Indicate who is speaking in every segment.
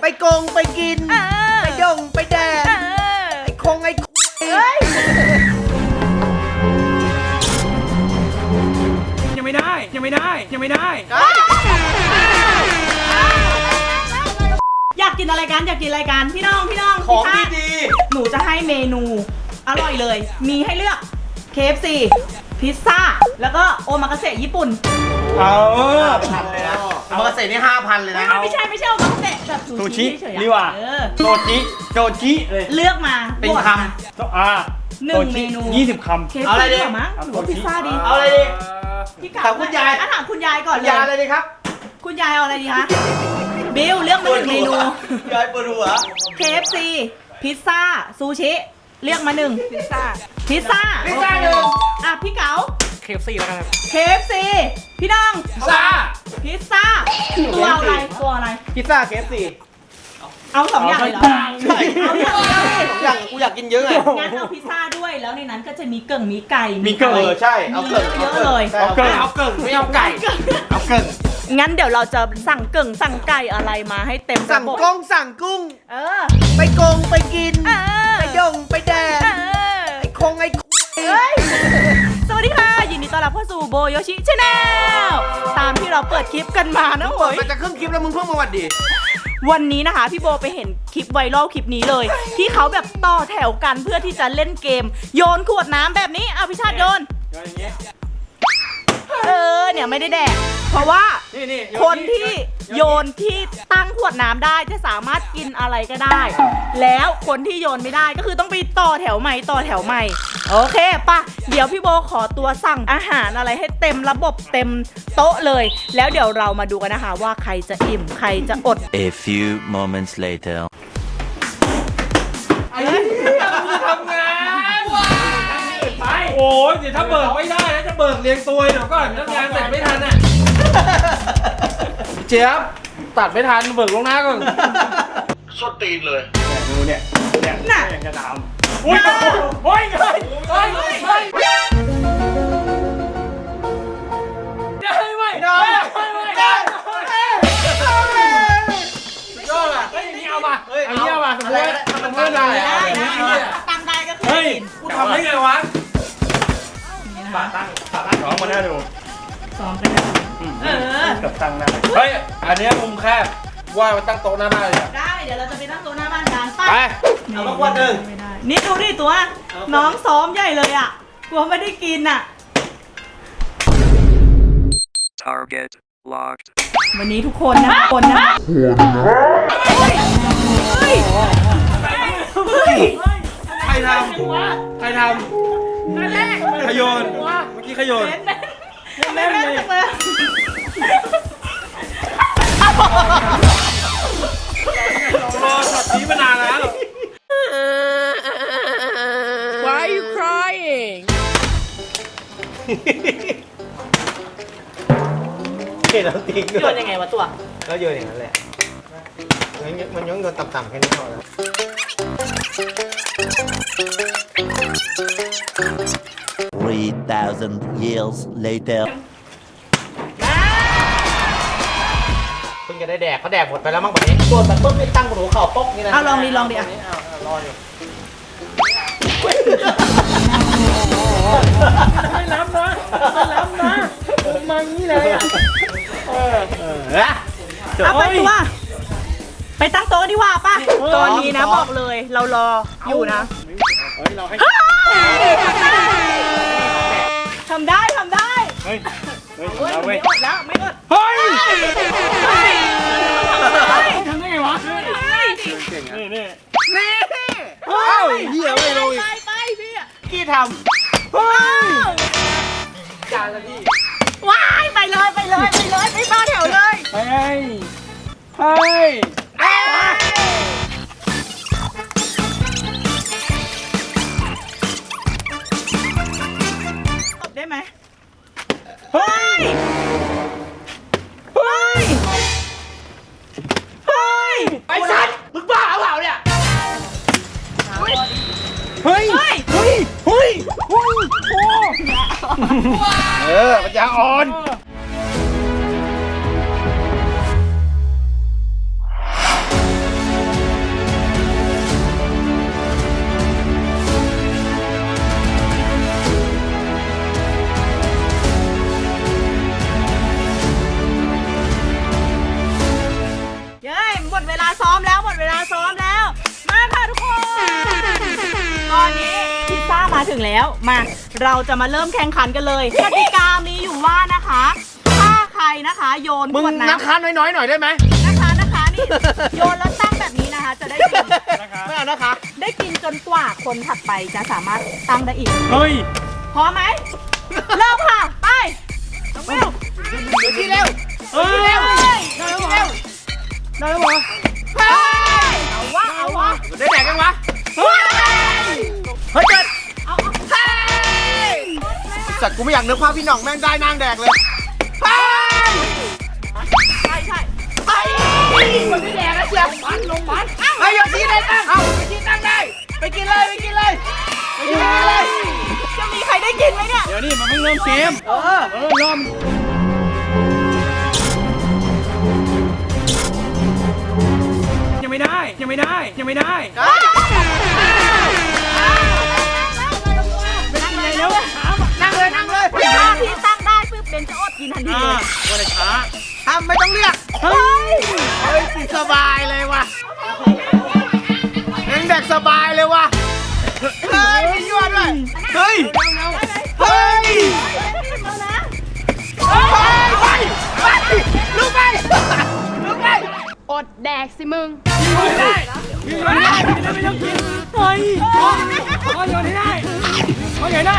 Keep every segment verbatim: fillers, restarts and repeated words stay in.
Speaker 1: ไปโกงไปกินไปดงไปแดงไอ้คงไอ้
Speaker 2: ยังไม่ได้ยังไม่ได้ยังไม่ได้
Speaker 3: อยากกินอะไรกันอยากกินอะไรกันพี่น้องพี่น้อง
Speaker 1: ของดี
Speaker 3: ๆหนูจะให้เมนูอร่อยเลยมีให้เลือก เค เอฟ ซี พิซซ่าแล้วก็โอมากาเสะญี่ปุ่น
Speaker 2: เอา
Speaker 1: พันเลยนะโอมากาเสะนี่ห้าพันเลยนะ
Speaker 3: ไม่ใช่ไม่ใช่โอมากาเสะแบบซูชิเฉยๆ
Speaker 2: นี่ว่ะโจจิโจจิเลย
Speaker 3: เลือกมา
Speaker 1: เป็นคำ
Speaker 2: อ่า
Speaker 3: หนึ่งเมนู
Speaker 2: ยี่สิบคำ
Speaker 3: เอาอะไรดีมั้งหรือว่าพิซซ่าดี
Speaker 1: เอาอะไรดี
Speaker 3: พี่ถามคุณยายถามคุณยายก่อนเลย
Speaker 1: ยายอะไรดีครับ
Speaker 3: คุณยายเอาอะไรดีคะบิลเลือกมาหนึ่งเมนู
Speaker 1: ยายปวดหัว
Speaker 3: เค เอฟ ซี พิซซ่าซูชิเลือกมาหนึ่งพิซซ่าพิซซ่า
Speaker 1: พิซซ่าหนึ่ง
Speaker 3: อ่ะพี่เก๋า
Speaker 2: เค เอฟ ซี แล้วกัน
Speaker 3: เค เอฟ ซี พี่น้อง
Speaker 2: พิซซ่า
Speaker 3: พิซซ่าตัวอะไรตัวอะไร
Speaker 1: พิซซ่า เค เอฟ ซี
Speaker 3: เอาสองอย่างเลยเหรอ
Speaker 1: ใช่เอาอย่างกูอยากกินเยอะไง
Speaker 3: งั้นเอาพิซซ่าด้วยแล้วในนั้นก็จะมีเกิ่งมีไก่
Speaker 1: มีเกิ่งเออใช่เอาเกิ่ง
Speaker 3: เยอะเลย
Speaker 1: เอาเกิ่งเอาเกิ่งไม่เอาไก่เอาเกิ่ง
Speaker 3: งั้นเดี๋ยวเราจะสั่งเกิ่งสั่งไก่อะไรมาให้เต็ม
Speaker 1: สั่งกุ้งสั่งกุ้ง
Speaker 3: เออ
Speaker 1: ไปโกงไปกินไปดงไปแดงไอ้คงไอ้
Speaker 3: สวัสดีค่ะยินดีต้อนรับเข้าสู่โบโยชิชาแนลตามที่เราเปิดคลิปกันมานะโว้ย
Speaker 1: มันจะครึ่งคลิปแล้วมึงเพิ่งมาวัดดี
Speaker 3: วันนี้นะคะพี่โบไปเห็นคลิปไวรัลคลิปนี้เลยที่เขาแบบต่อแถวกันเพื่อที่จะเล่นเกมโยนขวดน้ำแบบนี้เอาพิชาติโยนเออเนี่ยไม่ได้แดกเพราะว่าคนที่โยนที่ตั้งขวดน้ำได้จะสามารถกินอะไรก็ได้แล้วคนที่โยนไม่ได้ก็คือต้องไปต่อแถวใหม่ต่อแถวใหม่โอเคป่ะเดี๋ยวพี่โบขอตัวสั่งอาหารอะไรให้เต็มระบบเต็มโต๊ะเลยแล้วเดี๋ยวเรามาดูกันนะคะว่าใครจะอิ่มใครจะอด
Speaker 4: A few moments later
Speaker 2: ไอ้เหี้ยมึงทำงานไปโอ้ยเดี๋ยวถ้าเบิกไม่ได้นะจะเบิกเรียงตัวเดี๋ยวก่อนทำงานเสร็จไม่ทันอ่ะเจี๊ยบตัดไม่ทันเบิกลงหน้าก่อน
Speaker 1: สดตีนเลย
Speaker 2: ดูเนี่ยเนี่ยน่ะยังจะทำอุ้ยโอ้ยเฮ้ยเฮ้ยเฮ้ยได้ไหมได้ได้ยอดอ่ะเฮ้ยนี่เอามาเอาเนี่ยมาสมมติทำมันได้ได้
Speaker 3: ตั้งได้ก็คือ
Speaker 2: เฮ้ยกูทำได้ไงวะปาตั้งปาตั้งสองมาหน้าดู
Speaker 3: ซ้อมกันเออ
Speaker 2: กับตั้งหน้าเฮ้ยอันนี้มุมแคบว่ามาตั้งโต๊ะหน้าบ้านเลย
Speaker 3: ได้เดี๋ยวเราจะไปตั้งโต๊ะหน้าบ้านกัน
Speaker 2: ไป
Speaker 1: เอามาขวดหนึ่ง
Speaker 3: นี่ดูดิตัวน้องซ้อมใหญ่เลยอ่ะกลัวไม่ได้กินอ่ะ
Speaker 4: Target locked
Speaker 3: วันนี้ทุกคนนะคนนะเฮ้ยเฮ้ยเฮ้ย
Speaker 2: ใครทำใครทำขยนเมื่อกี้ขยน
Speaker 3: แม่แม่เลย
Speaker 2: รอช็อตนี้มานานแล้ว
Speaker 5: Why are you crying
Speaker 1: เห็นแล้วติ๊ก
Speaker 3: โยนยังไงวะตัว
Speaker 1: ก็โยนอย่างนั้นแหละมันย้อนโยนต่ำๆแค่นี้พอแล้ว
Speaker 4: three thousand years later
Speaker 1: เพิ่งจะได้แดกเขาแดกหมดไปแล้วมั้งแบบนี้โดนแบบปุ๊บไม่ตั้งหัวเข่าป๊อกนี่นะ
Speaker 3: เอาลองดิลองดิอ่ะ
Speaker 1: รอดิ
Speaker 2: ไม่รับนะไม่รับนะมางี้เลยอ่ะเออเออ
Speaker 3: เอาไปตัวไปตั้งโต๊ะดีกว่าป่ะตอนนี้นะบอกเลยเรารออยู่นะ
Speaker 2: เฮ้ยเราให้
Speaker 3: ทำได้ทำได้
Speaker 2: เฮ้ยเฮ้ย
Speaker 3: ไม่อดแล้วไม่อด
Speaker 2: เฮ้ย
Speaker 3: ทำได้ไงวะ
Speaker 2: เก่งอ่ะนี่นี่
Speaker 3: นี่
Speaker 2: เฮ้ยเหี้ยไม่ลงอีก
Speaker 3: ไปไปพี่
Speaker 1: กี้ทำเฮ้ยจานละพี่
Speaker 3: ว้ายไปเลยไปเลยไปเลยไปต่อแถวเลย
Speaker 2: เฮ้ยเฮ้ย
Speaker 3: ได้ไหมเฮ้ยเฮ้ยเฮ้ย
Speaker 1: ไอ้สัตว์มึงบ้าเปล่าเนี่ย
Speaker 2: เฮ้ยเฮ้ยเฮ้ยเฮ้ยโอ้เออปัญญาอ่อน
Speaker 3: หมดเวลาซ้อมแล้วหมดเวลาซ้อมแล้ว มาค่ะทุกคนตอนนี้พิซซ่ามาถึงแล้วมาเราจะมาเริ่มแข่งขันกันเลยกติกามีอยู่ว่านะคะถ้าใครนะคะโยน
Speaker 1: มึง
Speaker 3: ขวดน้ำ
Speaker 1: นะคะน้อยๆหน่อยได้ไหม
Speaker 3: นะคะนะคะนี่โยนแล้วตั้งแบบนี้นะคะ จะได้กิน
Speaker 1: ไม่เอานะคะ
Speaker 3: ได้กินจนกว่าคนถัดไปจะสามารถตั้งได้อีก
Speaker 2: เฮ้ย
Speaker 3: พร้อมไหมเริ่มค่ะไปเร็ว
Speaker 1: เดี๋ยวที่เร็ว
Speaker 2: เฮ้ย
Speaker 3: เร็ว
Speaker 2: ได้แล้วเหรอได้แล้วเหรอ
Speaker 3: ไปเอาวะเอาวะ
Speaker 1: ได้แดกยังวะ
Speaker 3: เฮ้ย
Speaker 1: เฮ้ยเกิด
Speaker 3: เอาเอาเฮ้ย
Speaker 1: สัตว์กูไม่อยากนึกภาพพี่หน่องแม่งได้นางแดกเลยไป
Speaker 3: ใช่ใช่ไปคนที่แดงนะเชียวมันลงมัน
Speaker 1: เฮ้ยโยชิได้ตั้งเอาไปกินตั้งได้ ไปกินเลยไปกินเลยไปกินเลย
Speaker 3: จะมีใครได้กินไหมเนี่ย
Speaker 2: เดี๋ยวนี่มันเพิ่งเริ่มเกม
Speaker 1: เออ
Speaker 2: เออเริ่มยังไม่ได้ยังไม่ได้ยังไม่ได้
Speaker 1: ได้
Speaker 2: ไม่กินอะไรแล้วช้า
Speaker 1: นั่งเลยนั่งเลย
Speaker 3: ถ้าพี่ตั้งได้ปุ๊บเบนจะอดกินทันที
Speaker 2: อ่า
Speaker 3: เลย
Speaker 2: วันไหนช้า
Speaker 1: ทำไม่ต้องเรียก
Speaker 2: เฮ้ย
Speaker 1: เฮ้ยกินสบายเลยว่ะยังแดกสบายเลยว่ะเฮ้ยมียั่วด้วยเฮ้ยเฮ้ย
Speaker 3: แล้วนะ
Speaker 1: ไปไปลุกไปลุกไป
Speaker 5: อดแดกสิมึง
Speaker 2: ไม่ได้ไม่ได้ไม่ได้ไม่ต้องกินเฮ้ยขอขอโยนให้ได้ขอโยนได้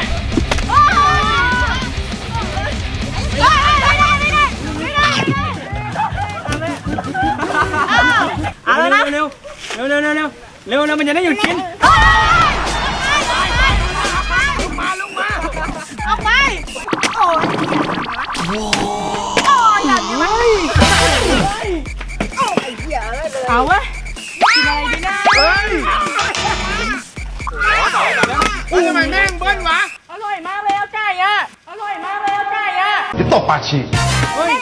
Speaker 3: เอาแล้วนะ
Speaker 2: เร็วเร็วเร็วเร็วเร็วเร็วเร็วมันจะได้หยุดกิน
Speaker 1: มาลุกมา
Speaker 3: ออกไปโอ้ยโอ้ยอย่าอย่ามาเอาเว้ยกินอะไรดีนะ
Speaker 1: เฮ้ยเฮ้ยทำไมแม่งเบิ้ลวะ
Speaker 3: อร่อยมากเลยเอาไก่อะอร่อยมากเลยเอาไก่อะ
Speaker 6: จะตบปากฉีก
Speaker 2: เฮ้ย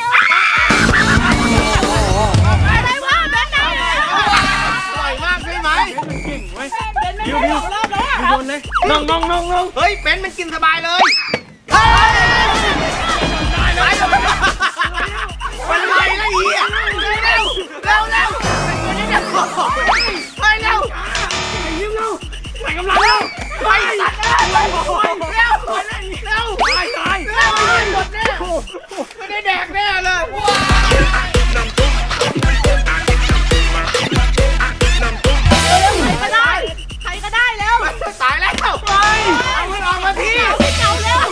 Speaker 3: อะไรวะเบนไหน
Speaker 1: อร่อยมากใช่ไหม
Speaker 2: มันเก่งเว้ย
Speaker 3: เบนไม่ได้สองรอบแล้วอะ
Speaker 2: โยนเลยน้องน้องน้องน้อง
Speaker 1: เฮ้ยเบนซ์มันกินสบายเลยเฮ้ยไปเลยมันไล่แล้วอีอ่ะเร็วเร็วเร็วไปเร็ว
Speaker 2: ไอ้ยิ้มเร็วใส่กำลังเร็ว
Speaker 1: ไปตัดเร็วเร็วเร็ว
Speaker 2: ตายตาย
Speaker 1: เร็วหมดแน่ไม่ได้แดกแน่เลย
Speaker 3: ใครก็ได้ใครก็ได้แล้ว
Speaker 1: ตายแล้วไปเอามันออกมาที
Speaker 3: เอาเก่าแล้ว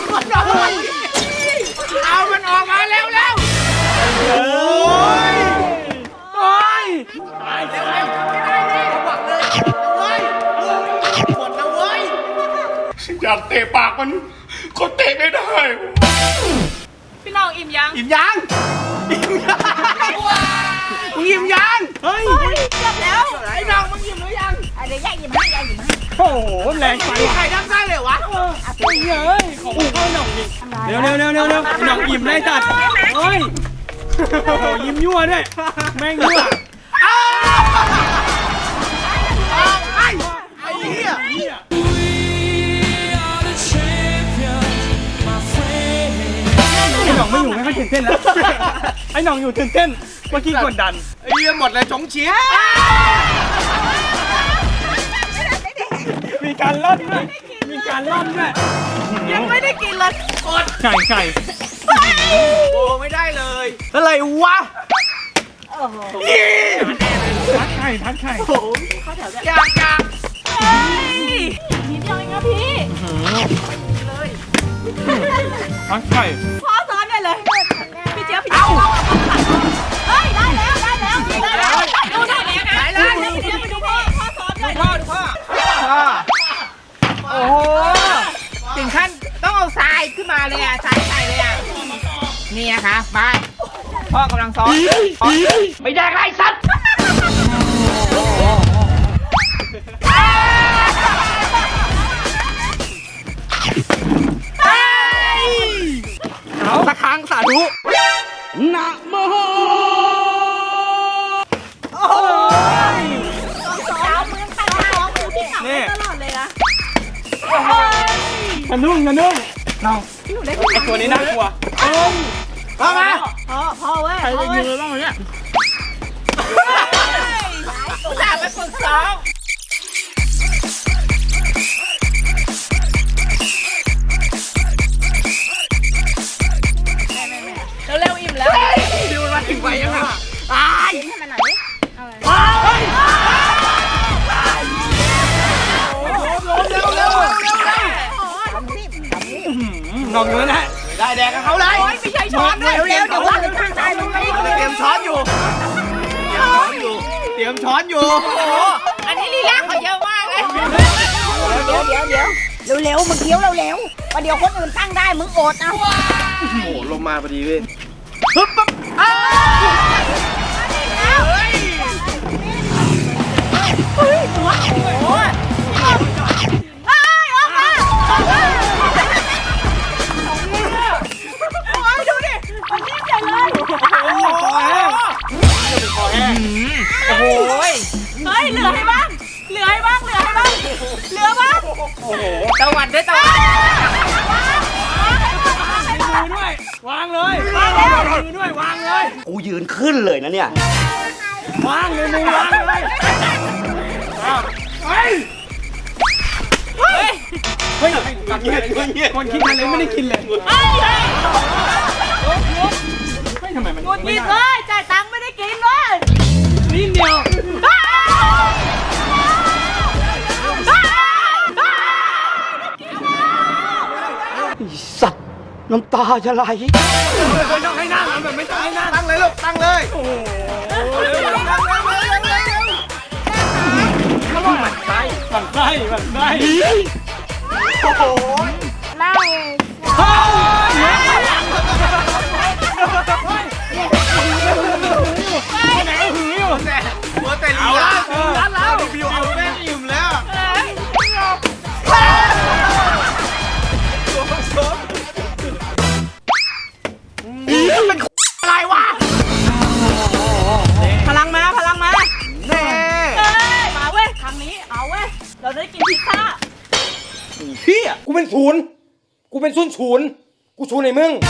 Speaker 1: เอามันออกมาเร็วเร็ว
Speaker 2: โอ้ยโอ้ยตาย
Speaker 1: เร็วเร็วไม่ได้ดิบอกเลยเว้ยหมดแล้วเว้ย
Speaker 6: อยากเตะปากมันก็เตะไม่ได้
Speaker 3: พี่น้องอิ่มยัง
Speaker 1: อิ่มยังอิ่มยังมึงอิ่มยัง
Speaker 2: เฮ้ย
Speaker 3: เฮ้ยเกือบแล้ว
Speaker 1: ไอ้น้องมึงอิ่มหรือยัง
Speaker 3: อะไรแย่อิ่มให้แย่อิ่มให้
Speaker 2: โอ้โหแรงไป
Speaker 1: มีใครทำได้เลยวะ
Speaker 2: เฮ้ยเฮ้ยของเข้าหน่องดิเร็วเร็วเร็วเร็วเร็วหน่องอิ่มได้จัดเฮ้ยโอ้โหยิ้มยั่วด้วยแม่งยั่ว
Speaker 1: อ้าวไอ้ไอ้เหี้ย
Speaker 2: ไอ้หน่องไม่อยู่ไม่ค่อยตื่นเต้นแล้วไอ้หน่องอยู่ตื่นเต้นเมื่อกี้กดดัน
Speaker 1: ไอ้เหี้ยหมดเลยจงเฉีย
Speaker 2: มีการล่อนด้วยมีการล่อนด้วย
Speaker 3: ยังไม่ได้กินเลย
Speaker 2: ไก่ไก่
Speaker 1: โอ้ไม่ได้เลยอะไรวะ
Speaker 2: พัดไข่พัดไข่
Speaker 1: อยากอยาก
Speaker 3: เฮ้ยนิดเดียวเองนะพี่
Speaker 2: พัดไข่
Speaker 3: พ่อซ้อนได้เลยพี่เจี๊ยบพี่เจี๊ยบเฮ้ยได้แล้วได้แล้วได้แล้วดูได้แล้วนะได้แล้วพี่เจี๊ยบไปดูพ่อพ่อซ้อนเลย
Speaker 1: พ่อดูพ่อโอ้โหถึงขั้นต้องเอาทรายขึ้นมาเลยอ่ะทรายใส่เลยอ่ะนี่นะคะไปพ่อกำลังซ้อนไม่ได้ไรสัตว์
Speaker 2: เอาตะคางสาธุ
Speaker 1: นะโม
Speaker 3: โอ้ยสาวมือตั้งสาวมือพี่หนักตลอดเลยนะ
Speaker 2: กระนุ่งกระนุ่งเรา
Speaker 3: พี่หนูได้
Speaker 2: ไอตัวนี้น่ากลัว
Speaker 1: พ่อมา
Speaker 3: พ่อพ่อเว้ย
Speaker 2: ใครจะยิงเราบ้างเนี่ยหน่องอยู่นั่นแหละ
Speaker 1: ได้แดกกับเขาเลย
Speaker 3: โอ้ยไม่ใช่ช้อนด้วย
Speaker 1: เร็วๆเดี๋ยวว่าจะข้างใจมึงไม่เตรียมช้อนอยู่เตรียมช้อนอยู่โอ้โหอันนี้ลีลาเขาเยอะมากเลย
Speaker 7: เดี๋ยวเดี๋ยวเดี๋ยวเร็วๆมึงเคี้ยวเร็วๆประเดี๋ยวคนอื่นตั้งได้มึงอดเอา
Speaker 2: โอ้โหลมมาพอดีเว้ย
Speaker 1: ปึ๊บปึ๊บอ้าวเฮ้ย
Speaker 3: โอ้ยหัวโอ้ยเอ้ยออกมาโอ้ยดูดิมันนิ่มใหญ่เลย
Speaker 2: โอ้โหคอแห้งคอแห้ง
Speaker 1: โอ้โห
Speaker 3: เฮ้ยเหลือให้บ้างเหลือให้บ้างเหลือให้บ้างเหลือบ้าง
Speaker 1: ตะวันด้วยตะวัน
Speaker 2: มือด้วย วางเลยวางเลยมือด้วยวางเลย
Speaker 8: กูยืนขึ้นเลยนะเนี่ย
Speaker 2: วางเลยมือวางเลยอ้าวเฮ้ย
Speaker 3: เฮ้ย
Speaker 2: เฮ้ยคนคิดอะไรไม่ได้กินเลย
Speaker 3: เฮ้ยเฮ้ย
Speaker 2: เฮ้ยทำไมมัน
Speaker 3: หงุดหงิดเลยจ่ายตังค์ไม่ได้กินเลย
Speaker 2: นิดเดียว
Speaker 3: อ้าวอ้าวอ้าว
Speaker 8: สัตว์ น้ำตาจะไหล
Speaker 2: ไม่ต้องให้นั่งแบบไม่ต้องให้นั่ง
Speaker 1: ตั้งเลยลูกตั้งเลย
Speaker 2: โอ้โห
Speaker 1: มันใช่
Speaker 2: มันไส้มันไส้
Speaker 1: โอ้โห
Speaker 7: นั่ง
Speaker 2: เฮ้ยไหนหืออยู่
Speaker 1: แต่หัวแต่ลีลาร้านแล้วบิวเอาแม่งอิ่มแล้ว อะไรวะ
Speaker 3: พลังมาพลังมา
Speaker 1: แน่
Speaker 3: เฮ้ยมาเว้ยครั้งนี้เอาเว้ยเราได้กินพิซซ่า
Speaker 2: พี่อ่ะกูเป็นศูนย์กูเป็นศูนย์ศูนย์กูศูนย์ในมึง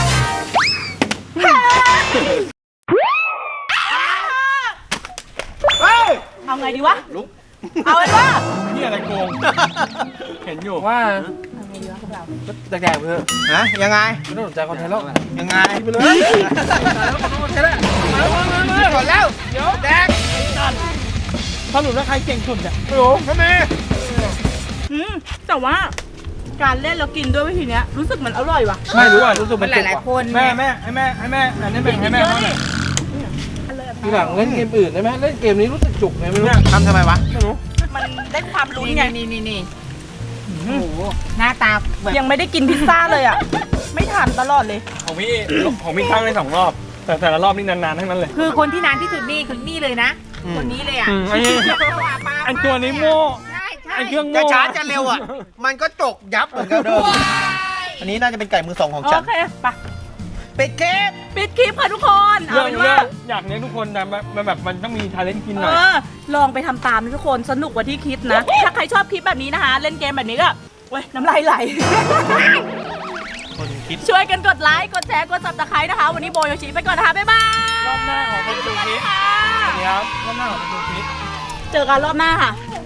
Speaker 1: เฮ้ย
Speaker 3: เอาไงดีวะเอาไงวะ
Speaker 2: นี่อะไรโกง เห็นอยู่ว่าแดกๆเพื่อ
Speaker 1: ฮะยังไง
Speaker 2: ไม่ต้องสนใจคอนเทนต์แล้ว
Speaker 1: ยังไง
Speaker 2: ไปเลยแล้วขอโทษแค่นั้น
Speaker 1: ก่อนแล้วเดี๋ยวแดก
Speaker 2: สรุปแล้วใครเก่งสุดเนี่ยไม่รู้
Speaker 1: ทำไม
Speaker 3: อืมแต่ว่าการเล่นแล้วกินด้วยวิธีเนี้ยรู้สึกเหมือนอร่อยว่ะ
Speaker 2: ไม่รู้อ่ะรู้สึก
Speaker 1: มันหลายๆคน
Speaker 2: แม่แม่ให้แม่ให้แม่อันนี้แบ่งให้แม่เขาหน่อยทีหลังเล่นเกมอื่นได้ไหมเล่นเกมนี้รู้สึกจุกไงไม่รู้
Speaker 1: ทำทำไมวะ
Speaker 2: ไม่รู้
Speaker 3: มันได้ความลุ้น
Speaker 1: นี่
Speaker 3: ไง
Speaker 1: นี่นี่นี่หน้าตาแบบ
Speaker 3: ยังไม่ได้กินพิซซ่าเลยอ่ะ ไม่ทานตลอดเลย
Speaker 2: ของพี่ของพี่ข้างได้สองรอบ แต่แต่ละรอบนี่นานๆทั้งนั้นเลย
Speaker 1: คือคนที่นานที่สุดนี่คือนี่เลยนะ คนนี้เลยอ่ะ
Speaker 2: อืมอันนี้อันตัวนี้โม่
Speaker 1: ใช่ใช่
Speaker 2: ไอ้เครื่องโม่
Speaker 1: จะช้าจะเร็วอ่ะ มันก็จกยับเหมือนกันเดิมอันนี้น่าจะเป็นไก่มือสองของฉั
Speaker 3: โอน เคไป
Speaker 1: เป็ดเก็บ
Speaker 3: ปิดคลิปค่ะทุกคนเอา
Speaker 2: เรื่อง
Speaker 3: เป็น
Speaker 2: เรื่
Speaker 3: ว่า
Speaker 2: องอยากเลี้ยงทุกคนแต่มันแบบมันต้องมีทาเลนต์กินห
Speaker 3: เอ
Speaker 2: น่อย
Speaker 3: อลองไปทำตามนะทุกคนสนุกกว่าที่คิดนะ ถ้าใครชอบคลิปแบบนี้นะคะ เล่นเกมแบบนี้ก็เว้ยน้ำลายไหล
Speaker 1: คนคิด
Speaker 3: ช่วยกันกดไลค์ กดแชร์ กดซับสไครต์นะคะ วันนี้โบโยชิไปก่อนนะคะ บ๊ายบาย
Speaker 2: รอบหน้าของเป็นดูคลิป
Speaker 3: ค่ะ
Speaker 2: นี่ครับรอบหน้าของเป็นดูคลิป
Speaker 3: เจอกันรอบหน้าค่ะ